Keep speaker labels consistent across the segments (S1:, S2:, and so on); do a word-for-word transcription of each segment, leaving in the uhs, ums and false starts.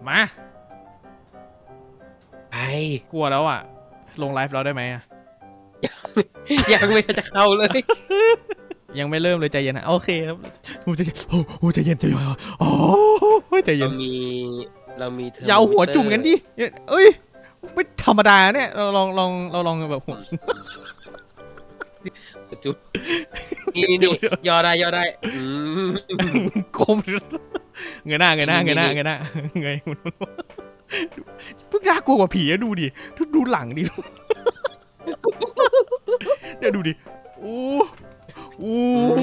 S1: มา
S2: ไป
S1: กลัวแล้วอ่ะลงไลฟ์เราได้ไหมอ่ะ
S2: ยังไม่จะเข้าเลย
S1: ยังไม่เริ่มเลยใจเย็นนะโอเคครับผมใจเย็นโอ้ใจเย็นใจเย็นโอ้ใจเย็
S2: เรา
S1: น
S2: มีเรามีเทอร์
S1: อย่าเอาหัวจุ่มกันดิเอ้ยไม่ธรรมดาเนี่ยเราลองลองเราลองแบบหัว
S2: จุ่มนี่นี่ย่อได้ย่อได้อืม
S1: กลมเงยหน้าเงยหน้าเงยหน้าเงยหน้าเงยเพิ่งน่ากลัวกว่าผีอะดูดิดูหลังดิเดี๋ยวดูดิโอ้โอ้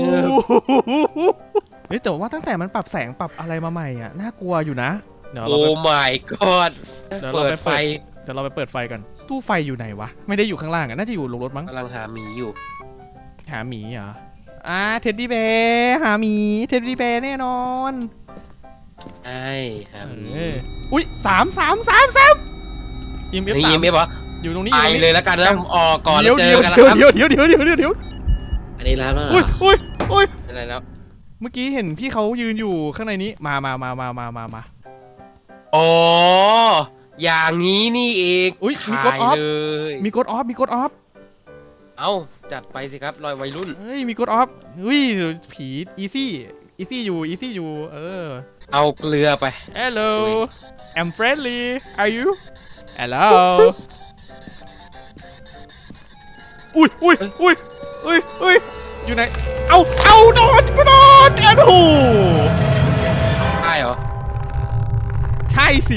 S1: เฮ้ยแต่ว่าตั้งแต่มันปรับแสงปรับอะไรมาใหม่อ่ะน่ากลัวอยู่นะเดี๋ยวเรา
S2: โอ้
S1: ไป
S2: my god
S1: เดี๋ยวเรา
S2: เปิ
S1: ไป
S2: ดไฟ
S1: เดี๋ยวเราไปเปิดไฟกันตู้ไฟอยู่ไหนวะไม่ได้อยู่ข้างล่างอ่ะน่าจะอยู่ลงรถมั้ง
S2: กำลังหาหมีอยู่
S1: หาหมีเหรออ่าเท็ดดี้แบร์หาหมีเท็ดดี้แบร์แน่นอน
S2: ใช่หาหมี
S1: เอออุ้ยสามสามสามสามยิมเอฟ
S2: นี่
S1: สาม
S2: ยิ้มไหมวะ
S1: อยู่ตรงนี้
S2: ไป
S1: อยู่ตรง
S2: เล
S1: นี้
S2: ยแล้วกันนะผมออกก่อนแล้
S1: เดี๋ยว ว
S2: เจ
S1: เดี๋ยว
S2: อกันแล้ว
S1: เดี๋ยว
S2: ครับ
S1: เดี๋ยวเดี๋ยวเดี๋ยวเดี๋ยวเดี๋ยว
S3: อันนี้แล้วแล้วเหร
S1: อุ้ย
S3: อ
S1: อุ้ยอุ้ย
S2: อะไรแล้ว
S1: เมื่อกี้เห็นพี่เขายืนอยู่ข้างในนี้มามามามามามามา
S2: อ๋ออย่างนี้นี่เอง
S1: อุ๊ยมีกด
S2: ถ่าย
S1: ออฟ
S2: เลย
S1: มีกดออฟมีกดออฟ
S2: เอ้าจัดไปสิครับรอยวัยรุ่น
S1: เฮ้ยมีกดออฟอุ้ยผีอีซี่อีซี่อยู่อีซี่อยู่เออ
S2: เอาเกลือไป
S1: Hello I'm friendly are you Hello อุ้ยอุ้ยอุ้ยอุ้ยอุ้ยอยู่ไหนเอาเอาโดนกูโดนแอนโห
S2: ใช่เหรอ
S1: ใช่สิ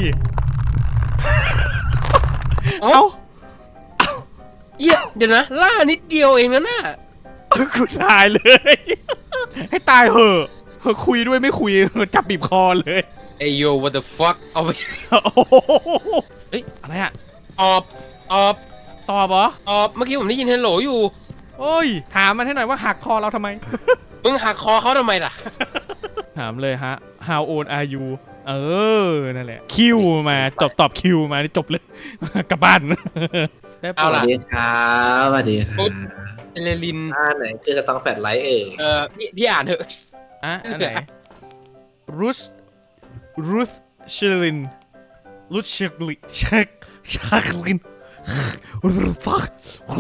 S2: เอ้า เหี้ยเดี๋ยวนะล่านิดเดียวเองนะน่ะ
S1: กูตายเลย ให้ตายเหอะเธอคุยด้วยไม่คุยจับบีบคอเลย
S2: ไอโย what the fuck เอาไป
S1: โอ้โห
S2: เฮ้ย
S1: อะไรอะ
S2: ออบออบ
S1: ตอบเหรอ
S2: ออบเมื่อกี้ผมได้ยินเฮลโหลอยู่
S1: โอ้ยถามมันให้หน่อยว่าหักคอเราทำไม
S2: มึงหักคอเขาทำไมล่ะ
S1: ถามเลยฮะ how old are you เออ นั่นแหละ คิวมาตอบตอบคิวมานี่จบเลย กลับบ้านได้
S2: เอา
S3: ส
S2: ล่ะ
S3: วัสดีครับสวัสดีครับ
S2: เอเลลิน
S3: อ่าไหนคือจะต้องแฟลชไลท์เอ่ย
S2: เออพี่พี่อ่านเถอะ
S1: อ่ะอันไหนรุสรุสชิลินรุสชิลินชักชักลินรุสฟัก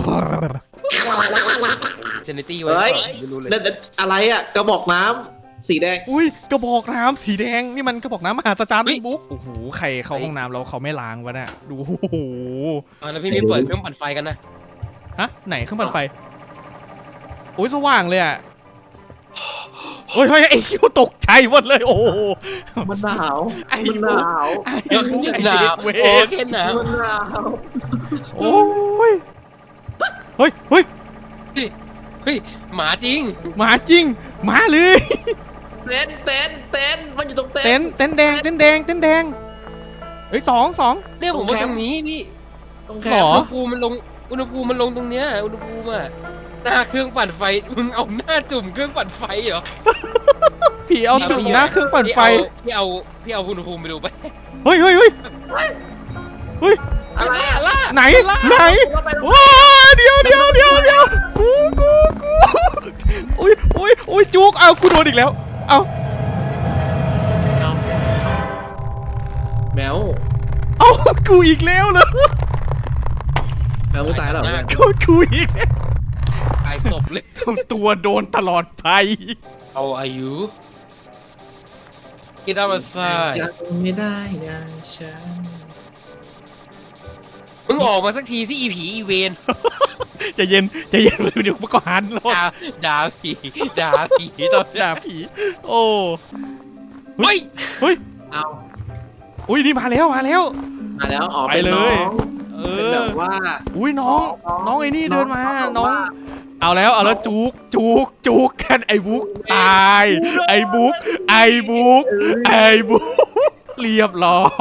S2: เซนิตี้ไว้
S3: เฮ้ย
S2: ไม่รู้เลย
S3: นั่นอะไรอ่ะกระบอกน้ำสีแดง
S1: อุ้ยกระบอกน้ำสีแดงนี่มันกระบอกน้ำมหาศาลบุ๊กโอ้โหใครเข้าห้องน้ำแล้วเขาไม่ล้างวะเนี่ยดูโอ้โห
S2: อ่าแล้วพี่ไม่เปิดเครื่องปั่นไฟกันนะ
S1: ฮะไหนเครื่องปั่นไฟโอ้ยสว่างเลยอ่ะโอ้ยเฮ้ยไอ้คิวตกใจหมดเลยโอ้โห
S3: มันหนาว
S1: ไอ้
S3: มันหนาว
S1: ไอ้
S2: เดี๋ยว
S1: บุ๊กไอ้
S2: หนา
S1: เด็
S2: ว
S1: กเว
S2: โอ
S1: ร
S2: เคหนาว
S3: มันหนาว
S1: โอ้ยเฮ้ยเฮ้ย
S2: เฮ้ยหมาจริง
S1: หมาจริงหมาเลย
S3: เต้นเต้นเต้นมันอยู่ตรงเต้
S1: เต้
S3: น
S1: นเต้นแดงเต้นแดงเต้นแดงเฮ้ยสองสอง
S2: เนี่ยผมว่าตรงนี้พี่
S3: ตรง
S1: ห
S3: แค
S1: ร
S3: ม
S1: อ
S2: อุณหภูมิมันลงอุณหภูมิมันลงตรงเนี้ยอุณหภูมิอะหน้าเครื่องปั่นไฟมึงเอาหน้าจุ่มเครื่องปั่นไฟเหรอ
S1: ผีเอาตุ่มหน้าเครื่องปั่นไฟ
S2: พี่เอาพี่เอาอุณหภูมิไปดูไป
S1: เฮ้ยเฮ้ยเฮ้ยเฮ้ย
S3: อะไรอ่ะ
S2: ล่า
S1: ไหนไหน
S3: ว่าไปตรง
S1: ว้าเดี๋ยวเดี๋ยวเดี๋ยวเดี๋ยวกูกูกูอุ้ยอุ้ยอุ้ยจุกเอากูโดนอีกแล้วเอา
S3: เอาแมว
S1: เอากูอีกแล้วเลย
S3: แมวมึงตายแล้วเหรอเนี่ย
S1: กูกูอีกแล้ว
S2: ตายศพเลย
S1: ตัวโดนตลอดไป
S2: เอาอายุคิดเอามาใส่
S3: จำไม่ได้อย่างฉัน
S2: มึงออกมาสักทีที่อีผีอีเวน
S1: ใจเย็นใจเย็นเดี๋ยวมันก็หันรถ
S2: ด่าด่าผีด่าผีตอน
S1: ด่าผีโอ้
S2: เฮ้ย
S1: เฮ้ย
S3: เอา
S1: อุ้ยนี่มาแล้วมาแล้ว
S3: มาแล้วออก
S1: ไป
S3: เป็น
S1: เลย
S3: น้อง
S1: เอ
S3: เป็น
S1: อ
S3: แบบว่า
S1: อุ้ยน้องน้องไอ้นี่เดินมาน้อง
S3: ว่า
S1: เอาแล้วเอาแล้วจุกจุกจุกกันไอ้บุ๊กตายไอ้บุ๊กไอ้บุ๊กไอ้บุ๊กเรียบร้อย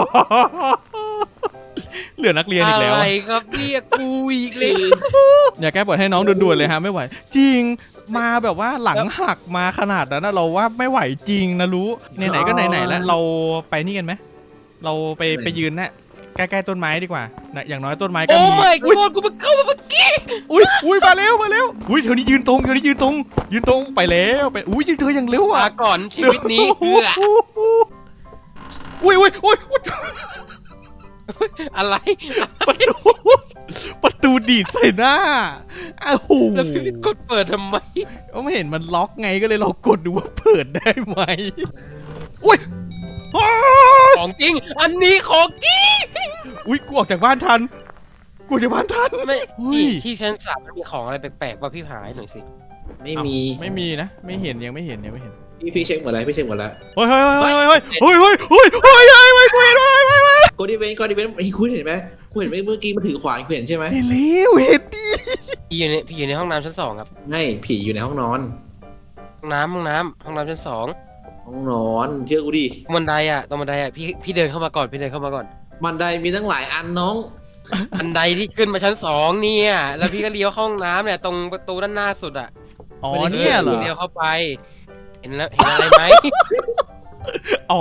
S1: เหลือนักเรียนอีกแล้ว
S2: อะไรครับเนี่ยกูอีกเลย
S1: อย่าแก้ปวดให้น้องด่วนๆเลยฮะไม่ไหว จริงมาแบบว่าหลังหักมาขนาดนั้นนะเราว่าไม่ไหวจริงนะรู้ไหนๆก็ไหนๆแล้วเราไปนี่กันไหมเราไปไปยืนนะใกล้ๆต้นไม้ดีกว่านะอย่างน้อยต้นไม้ก็
S2: โอ้
S1: มี
S2: ไม่
S1: อุ้ย
S2: กดกูมาเข้ามาเมื่อกี้
S1: อุ้ยอุ้ยมาเร็วมาเร็วอุ้ยเธอนี่ยืนตรงเธอนี่ยืนตรง ยืนตรงไปแล้วไปอุ้ยเธอยังเร็ว
S2: มา
S1: อ่ะ
S2: ก่อนชีวิตนี้เพื่อ
S1: อุ้อุ้ยอุ้ยอุ้ยอุ๊ย
S2: อะไร
S1: ประตูประตูดีดใส่หน้าอ้าวโห
S2: แล้วพี่กดเปิดทำไม
S1: ก็ไม่เห็นมันล็อกไงก็เลยเรากดดูว่าเปิดได้ไหมอุ้ยอ้าว
S2: ของจริง อันนี้ของจริง
S1: อุ้ยกูออกจากบ้านทันกูออกจากบ้านทัน
S2: ไม่
S1: เฮ้ย
S2: ที่ที่ชั้นสามมันมีของอะไรแปลกๆป่ะพี่หายหน่อยสิ
S3: ไม่มี
S1: ไม่มีนะไม่เห็นยังไม่เห็นยังไม่เห็น
S3: พี่พี่เช็คหมดแล้วพี่เช็คหมดแล้ว
S1: เฮ้ยเฮ้ยเฮ้ยเฮ้ยเฮ้ยเฮ้ยเฮ้ยเฮ้ยเฮ้ยเฮ้ยกูเห็นเฮ้ยเฮ้ยเฮ้ย
S3: กดดีเวนต์กดดีเวนต์ไอ้ยคุณเห็นไหมคุณเห็นไหมเมื่อกี้มันถือขวานคุณเห็นใช่ไหม
S1: เห็นแล้วเห็นดิ
S2: พี่อยู่ในพี่อยู่ในห้องน้ำชั้นสองครับ
S3: ไม่ผีอยู่ในห้องนอน
S2: ห้องน้ำห้องน้ำห้องน้ำชั้นสอง
S3: ห้องนอนเชื่อกูดิ
S2: ตรงบันไดอ่ะตรงบันไดอ่ะพี่พี่เดินเข้ามาก่อนพี่เดินเข้ามาก่อน
S3: บันไดมีตั้งหลายอันน้อง
S2: บันไดที่ขึ้นมาชั้นสองเนี่ยแล้วพี่ก็เลี้ยวเข้าห้องน้ำเนี่ยตรงประตูด้านหน้าสุดอ่ะ
S1: อ๋อเนี่ยเหรอ
S2: เลี้ยวเข้าไป เห็นแล้วเห็นอะไรไหม
S1: อ๋อ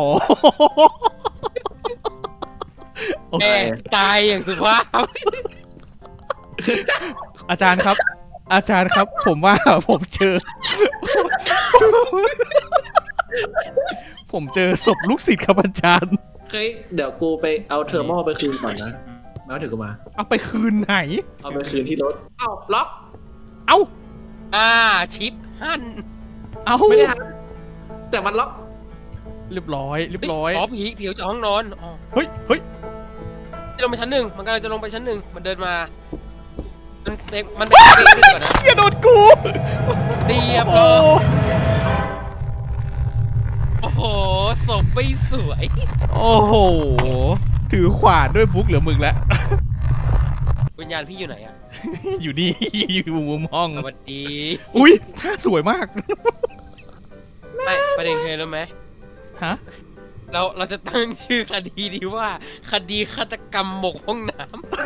S1: โอ
S2: แก
S1: เค
S2: ตายอย่างสุภาพ
S1: อาจารย์ครับ อาจารย์ครับ ผมว่าผมเจอ ผมเจอศพลูกศิษย์ครับอาจารย์
S3: เฮ้ยเดี๋ยวกูไปเอาเทอร์โมไปคืนก่อนนะแล้วถึงกูมา
S1: เอาไปคืนไหน
S3: เอาไปคืนที่รถเอ้าล็อก
S1: เอ้า
S2: อ่าชิปหั่น
S1: เอ้า
S3: ไม่ได้ทันแต่มันล็อก
S1: เรียบร้อยเรียบร้อย
S2: อ๋อผีผีออกจากห้องนอนอ๋อ
S1: เฮ้ยเฮ้ย
S2: จะลงไปชั้นหนึ่งมันกำลังจะลงไปชั้นหนึ่งมันเดินมา มันเด็กมันเด็กเด็กขึ้นก่อนนะ
S1: อย่าโดนกู
S2: เรียบ
S1: โอ้
S2: ร้อยโอ้โหศพไม่สวย
S1: โอ้โห ถือขวานด้วยบุ๊กเหลือมึงแล้ว
S2: วิญญาณพี่อยู่ไหนอ่ะ
S1: อยู่นี่ อยู่มุมห้อง
S2: สวัสดี
S1: อุ้ยท่าสวยมาก
S2: ไม่ประเด็นคืออะไรรู้ไหม
S1: ฮะ
S2: เราเราจะตั้งชื่อคดีดีว่า คดีฆาตกรรมหมกห้องน้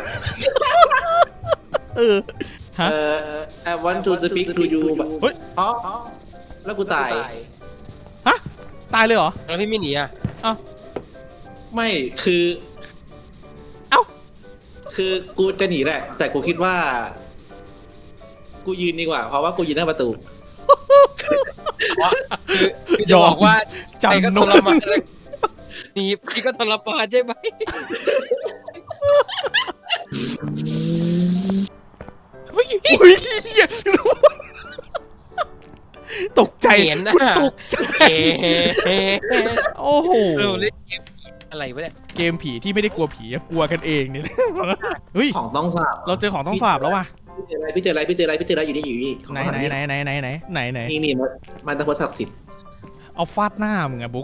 S1: เออ ฮะ
S3: เอ่อ I want to speak to you แบบ
S1: เฮ้ย
S3: อ๋อแล้วกูตาย
S1: ฮะ ตายเลยเหรอ
S2: ำแล้วพี่ไม่หนีอ่ะ
S3: ไม่คือ
S1: เอ้า
S3: คือกูจะหนีแหละ แต่กูคิดว่า กูยืนดีกว่า เพราะว่ากูยืนหน้าประตู
S2: เพราะคือคือจะบอกว่าใจก็
S1: จำน
S2: ท
S1: วน
S2: รมานเลยหนีพี่ก็ทรมานใช่ไหมเฮ้ย
S1: อุ้ยเหี้ยตกใจ
S2: เห็นนะ
S1: กูตกใจ
S2: เอ๊ะ
S1: โอ้โห
S2: เราเล่นเกมผีอะไรวะเนี่ย
S1: เกมผีที่ไม่ได้กลัวผีอะกลัวกันเองเนี่ย เฮ้ย
S3: ของต้องสาบ
S1: เราเจอของต้องสาบแล้วว่ะ
S3: พี่เจออะไรพี่เจออะไรพี่เจออะไรพี่เจออะไรอยู่นี่อยู่นี่ของ
S1: ไหน
S3: ต้อง
S1: ไหน
S3: สาบ
S1: ไหนไหนไหนไหนไหนไหน
S3: นี่นี่มันมันตะพดศักดิ์สิทธิ์
S1: เอาฟาดหน้ามึงอะบุ๊ก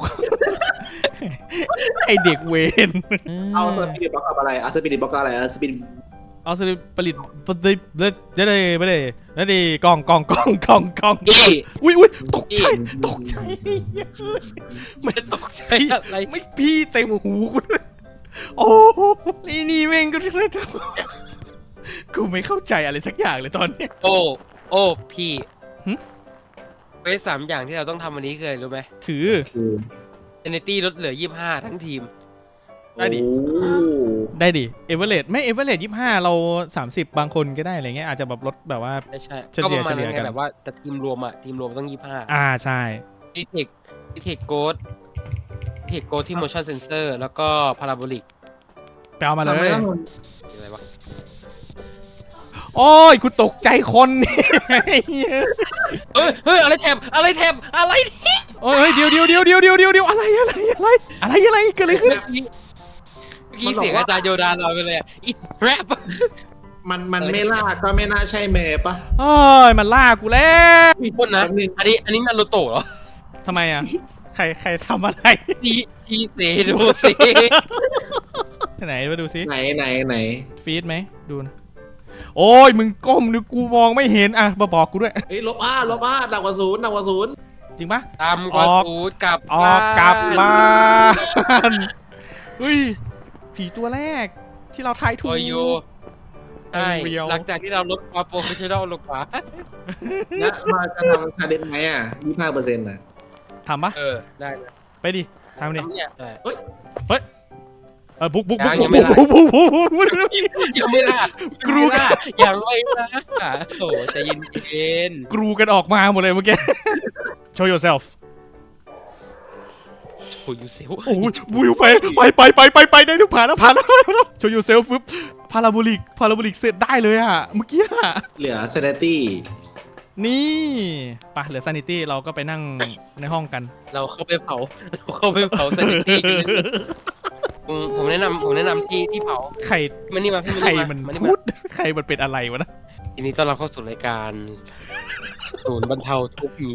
S1: ไอเด็กเวน
S3: เอาสปิริตบล็อกกับอะไรเอาสปิริตบล็อกกับอะไรเอาสปิริต
S1: เอาสลิปผลิตผลิตเด็ดเด็ดไม่ได้ไม่ได้กล่องกล่องกล่องกล่องกล่อง
S2: พี่
S1: อุ้ยอุ้ยตกใจตกใจไม่
S2: ตกใจ
S1: พี่
S2: อะไร
S1: ไม่พี่เต็มหูกูเลยโอ้ไอ้นี่แม่งก็ได้ทำกูไม่เข้าใจอะไรสักอย่างเลยตอนเนี้ย
S2: โอ้โอ้พี่
S1: หึ
S2: เวสสามอย่างที่เราต้องทำวันนี้คืออะไรรู้ไหม
S1: คือ
S3: คือ
S2: เจเนตี้ลดเหลือยี่สิบห้าทั้งทีม
S1: ได้ดิ
S3: โอ้
S1: ได้ดิเอเวอเรสไม่เอเวอเรสยี่ห้าเราสามสิบบางคนก็ได้อะไรเงี้ยอาจจะแบบลดแบบว่า
S2: ไม่ใช่
S1: เฉลี่ย
S2: ก็ประมาณ
S1: เฉลี่ย
S2: นั้น
S1: กัน
S2: ไงแบบว่าแต่ทีมรวมอะทีมรวมต้องยี่สิบห้า
S1: อ่าใช่
S2: ดีเทคดีเทคโกดดีเทคโกดที่ motion sensor แล้วก็ parabolic
S1: ไปเอามาเล
S3: ทำไม
S1: ย
S3: ต้อง
S2: อะไรวะ
S1: โอ้ยกูตกใจคนนี่
S2: เฮ้ยเฮ้ยอะไรแถบอะไรแถบอะไรแถบ
S1: โอ้ยเดี๋ยวเดี๋ยวเดี๋ยวเดี๋ยวเดี๋ยวเดี๋ยวเดี๋ยวอะไรอะไรอะไรอะไรอะไรเกิดอะไรขึ้น
S2: เมื่อกี้เมื่อกี้เสียงอาจารย์โยดาเราไปเลยอะอีแรป
S3: มันมันไม่ล่าก็ไม่น่าใช่เมย์ปะ
S1: โอ้ยมันล่ากูแล้ว
S2: มีคนนะ
S3: แป๊บนึง
S2: อันนี้อันนี้นารูโตะเหรอ
S1: ทำไมอ่ะใครใครทำอะไร
S2: อีอีเซโดเซ
S1: ไหนมาดูซิ
S3: ไหนไหนไหน
S1: ฟีดไหมดูนะโอ้ยมึงก้มนึกกูมองไม่เห็นอ่ะมาบอกกูด้วย
S3: เฮ้ยลบอ้าลบอ้าหนักกว่าศูนย์หนักกว่าศูนย์
S1: จริงปะ
S2: ตามกว่า
S1: ออก
S2: สูตรกลับ
S1: ออกกลับ
S2: บ้าน
S1: บ้านเฮ้ยผีตัวแรกที่เราทายถู
S2: โอก ยูใช่
S1: เรียว
S2: หลังจากที่เราลดความโปรเฟชชั่นอลลงมา
S3: แล้วเราจะทำชาเลนจ์ไหมอ่ะยี่สิบห้าเปอร์เซ็นต์อ่ะ
S1: ทำปะ
S2: เออได้เลย
S1: ไปดิทำดิ
S2: ทำเนี่ยได้
S1: เออบุ๊กบุ๊ก
S2: ยั
S1: บุ๊ก
S2: งยังไม่
S1: บุ๊ก
S2: ได้
S1: บุ๊กบุ๊กบุ๊กบุ๊กบุ๊ก
S2: ยังไม่ได้
S1: กรู
S2: ยังไม่ได้ยังไม่ได้โอ้ใจเย็นเย็น
S1: กรูกันออกมาหมดเลยเมื่อกี้ show yourself
S2: โอ้ยยูเซล
S1: โอ้ยวิวไปไปไปไปไปไปได้ทุกผ่านแล้วผ่านแล้วโชว์ยูเซลฟึบพาราโบลิกพาราโบลิกเสร็จได้เลยอะเมื่อกี้อะ
S3: เหลือเซนตี้
S1: นี่ไปเหลือซานิตี้เราก็ไปนั่งในห้องกัน
S2: เราเข้าไปเผาเราเข้าไปเผาสถิติกันเลยอืมผมแนะนำผมแนะนำที่ที่เผา
S1: ใคร
S2: มันนี่มาพี่
S1: ใคร
S2: มา
S1: มัน
S2: มานี่
S1: พู
S2: มา
S1: ดใครมันเป็นอะไรวะนะ
S2: ทีนี้ต้อนรับเข้าสู่รายการศูนย์บรรเทาทุกข์มี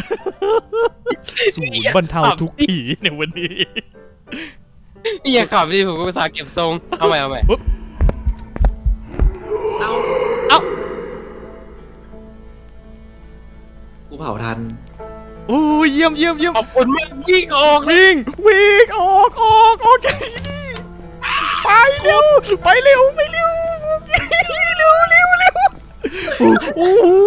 S1: ศูนย์บรรเทาทุกข์ผีในวันนี้
S2: พี่อย่าขับดิผมก็ภาษาห์เก็บทรงเอาใหม่เอาใหม่
S3: เอา
S2: เอ้า
S3: กูเผาทัน
S1: โอ้ยเยี่ยมเยี่ยมเยี่ยม
S2: ขอบคุณมากวิ่งออก
S1: วิ่งวิ่งออกออกออกจากที่นี่ไปเร็วไปเร็วไปเร็วเร็วเร็วเร็วโอ้โห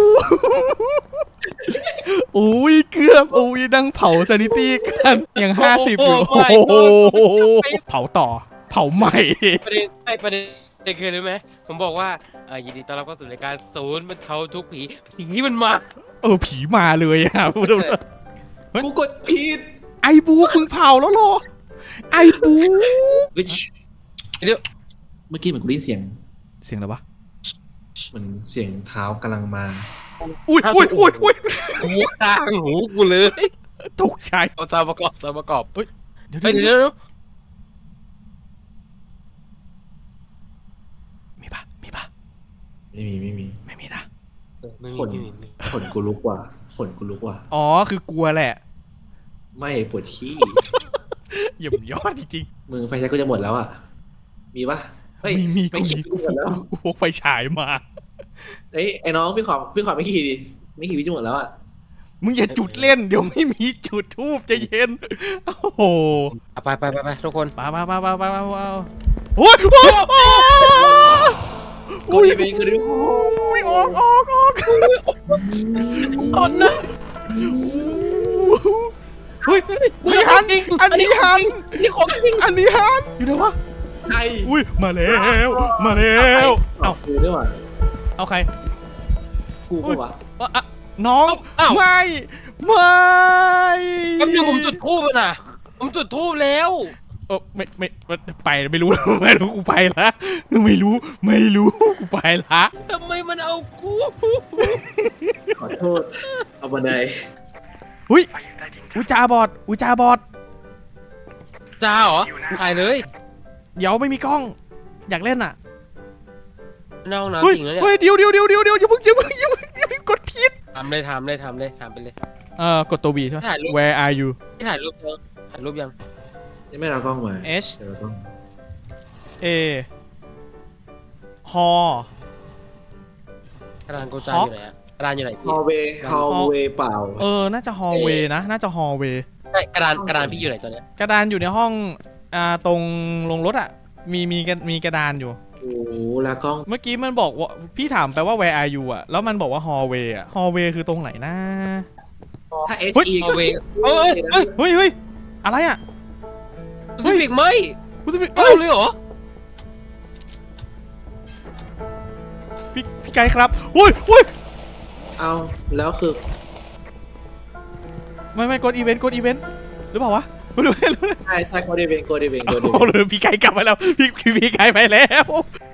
S1: โอ้ยเกือบโอ้ยนั่งเผาซานิตี้กันยังห้าสิบอยู่โอ้โหเผาต่อเผาใหม่
S2: ประเด็นไอ้ประเด็นเด็กเคยรู้ไหมผมบอกว่าเอ่อยินดีต้อนรับเข้าสู่รายการศูนย์บรรเทาทุกข์ผีผีนี่มันมา
S1: เออผีมาเลยอะ
S3: กูกดผิด
S1: ไอบูมึงเผาแล้วเหรอไอบู
S3: เฮ้ย
S2: เดี๋ยว
S3: เมื่อกี้เหมือนกูได้ยินเสียง
S1: เสียงอะไรวะ
S3: เหมือนเสียงเท้ากำลังมา
S1: อุ้ยอุ้ยอุ้ยอุ้ย
S2: หูตางหูกูเลย
S1: ตกใจ
S2: เอาซาวประกอบซาวประกอบ
S1: เดี๋ยว
S2: เฮ้ย
S1: เดี๋ยว
S2: เดี๋ยวเดี๋ยว
S1: มีปะมีปะ
S3: ไม่มีไม่มี
S1: ไม่มีนะ
S2: ไม่
S3: ขน
S2: มีไม่มี
S3: ขนกูลุกว่ะขนกูลุกว่ะ
S1: อ๋อคือกลัวแหละ
S3: ไม่ปวดขี้
S1: เยี่ยมยอดจริง
S3: มึงไฟใช้กูจะหมดแล้วอ่ะ มีปะ
S1: ๆ
S3: เฮ้ย
S1: มีมี
S3: ไม่
S1: กู
S3: ขี้
S1: มี
S3: กูหมดแล้ว
S1: กูพกไฟฉายมา
S3: เอ้ยไอ้น้องพี่ขอพี่ขอไม่ขี้ดิไม่ขี้พี่จะหมดแล้วอ่ะ
S1: มึงอย่าจุดเล่นเดี๋ยวไม่มีจุดทูบจะเย็นโอ้โห
S2: อ่ะไปไปไปไปทุกคน
S1: ไปไปไปไปไปไปโอ้ยโอ้ยโอ้ย
S3: กูดีไปกูดี
S1: โอ้ยออกออกออก
S2: ตอนนะ
S1: เฮ้ยไม่หันอันนี้หัน
S2: นี่ของจริง
S1: อันนี้หันอยู่ไหนวะ
S3: ใคร
S1: อุ้ยมาแล้วมาแล้วเอ้า
S3: กูด้วยว่ะ
S1: เอาใคร
S3: กูปะวะ
S1: อ่ะอ่ะน้อง
S2: อ้าว
S1: ไม่ไม่
S2: แป๊บนึงผมจุดทูบแล้วนะผมจุดทูบแล้ว
S1: เออไม่ไม่ไปไม่รู้ ไม่รู้กูไปละไม่รู้ไม่รู้กูไปละ
S2: ทำไมมันเอากู
S3: ขอโทษเอาบันได
S1: อุ้ยอุจาบอดอุจาบอด
S2: จ้าเหรอถ่ายเลย
S1: เดี๋ยวไม่มีกล้อง อยากเล่นอ่ะ
S2: ในห้อง
S1: เฮ้ย
S2: น้ำจริงแล้วเนี่ย
S1: เฮ้ยเดี๋ยวเดี๋ยวเดี๋ยวเดี๋ยวเดี๋ยวอย่าเพิ่งอย่าเพิ่งอย่าเพิ่งอย่าเพิ่งกดผิด
S2: ทำเลยทำเลยทำเลยทำไปเลย
S1: เอ่อกดตัว V ใช่ไหม
S2: ถ่ายรูป
S1: Where are you
S2: ที่ถ่ายรูปยังถ่ายรูปยัง
S3: ยังไม่เอากล้องมา
S1: H
S3: เดี๋ยวเราต้อง
S1: A ฮอก
S2: ระดานโกจาอยู่ไหนอะกระดานอยู่ไหน
S3: ฮ
S2: พี่
S3: อลเวย์ฮอลเวย์เปล่า
S1: เออน่าจะฮอลเวย์นะน่าจะฮอลเวย์
S2: ใช่กระดานกระดานพี่อยู่ไหนตอนเนี้ย
S1: กระดานอยู่ในห้องอ่าตรงลงรถอ่ะมีมีกระมีกระดานอยู่
S3: โอ้โหแล้วกล้อง
S1: เมื่อกี้มันบอกว่าพี่ถามไปว่า Where are you อ่ะแล้วมันบอกว่า hallway อ่ะ hallway คือตรงไหนนะ
S3: ถ้า H
S1: เฮ้ย
S3: E
S2: เอา
S3: ก็
S2: เว
S3: เฮ้ย
S2: เอ้ยเอ้ย
S1: เฮ้ยเฮ้ยอะไรอ่ะ
S2: เฮ้ยฟิกไหม
S1: กูจะพี่
S2: เอา
S1: เอ้ย
S2: เลยเหรอ
S1: พี่พี่ไกด์ครับโอ้ยโอ้ย
S3: เอาแล้วคือ
S1: ไม่ไม่กดอีเวนต์กดอีเวนต์หรือเปล่าวะไม่รู้ไม่รู้
S3: ใช่ใช่โกดีเวนโกดีเวนโกดี
S1: โอ้
S3: เวน
S1: โหพี่ไกด์กลับไปแล้วพี่พี่พี่ไกด์ไปแล้ว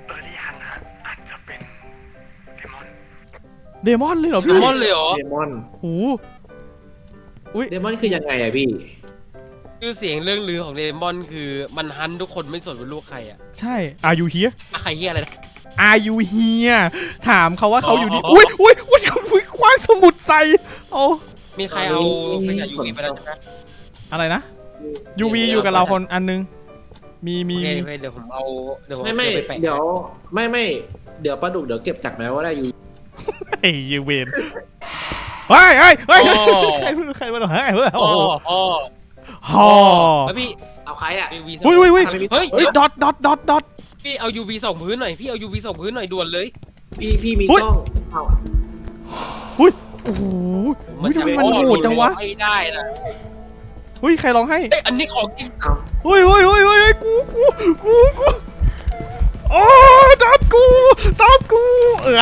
S1: เดมอนเลยเหรอ
S2: เด
S1: พี่
S2: มอนเลยเหรอ
S3: เดมอน
S1: โอ้โหอุ้ย
S3: เดมอนคือยังไงอะพี่
S2: ชื่อเสียงเรื่องลือของเดมอนคือมันฮันทุกคนไม่สนว่าลูกใครอะ
S1: ใช่ Are you here
S2: ใครเฮียอะไรนะ
S1: Are you here ถามเขาว่าเขาอยู่นี่
S2: อ๋ออ๋อ
S1: อุ้ยอุ้ยอุ้ยอุ้ยคว้างสมุดใส่โอ้
S2: มีใครเอาไปกับยูวีไปแล้วใช่ไหม
S1: อะไรนะ ยู วี อยู่กับเราคนอันนึง มีมี
S2: โอเค
S1: มี
S2: โอเคเดี๋ยวผมเอาเดี๋ยวผม
S3: ไม่ไม่
S2: เอาปแปะ
S3: เดี๋ยวไม่ไม่เดี๋ยวปลาดุกเดี๋ยวเก็บจากแม้ว่าได้อยู่
S1: ไอ้ยูเวนเฮ้ยเฮ้ยเฮ้ยใครใครมาหรอเฮ้ยเฮ้ย
S2: อ๋
S1: โอ้
S2: อ
S1: โห
S2: อ๋อ
S1: ฮอ
S2: แล้วพี่
S3: เอาใครอะ
S2: ยูวี
S1: เฮ้ยเฮ้ยเฮ้ย
S2: เฮ้ย
S1: เฮ้ยดอทดอทดอทดอท
S2: พี่เอายูวีส่องพื้นหน่อยพี่เอายูวีส่องพื้นหน่อยด่วนเลย
S3: พี่พี่มี
S1: เฮ้ย
S3: กล้องเอา
S1: อุ้ยโอ้โหอุ้ยทำไมมันโหดจังวะ
S2: ไม่ได้นะ
S1: เฮ้ยใครร้องให้
S2: เอ้ยอันนี้ของจริง
S3: เอา
S1: เฮ้ยเฮ้ยเฮ้ยเฮ้ยกูกูกูกูโอ้ตามกูตามกูเออ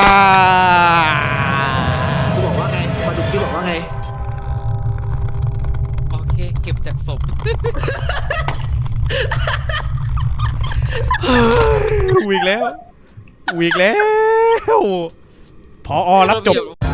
S3: กูบอกว่าไงปลาดุกที่บอกว่าไง
S2: โอเคเก็บจากศพ
S1: อีกแล้วกูอีกแล้วพอรับจบ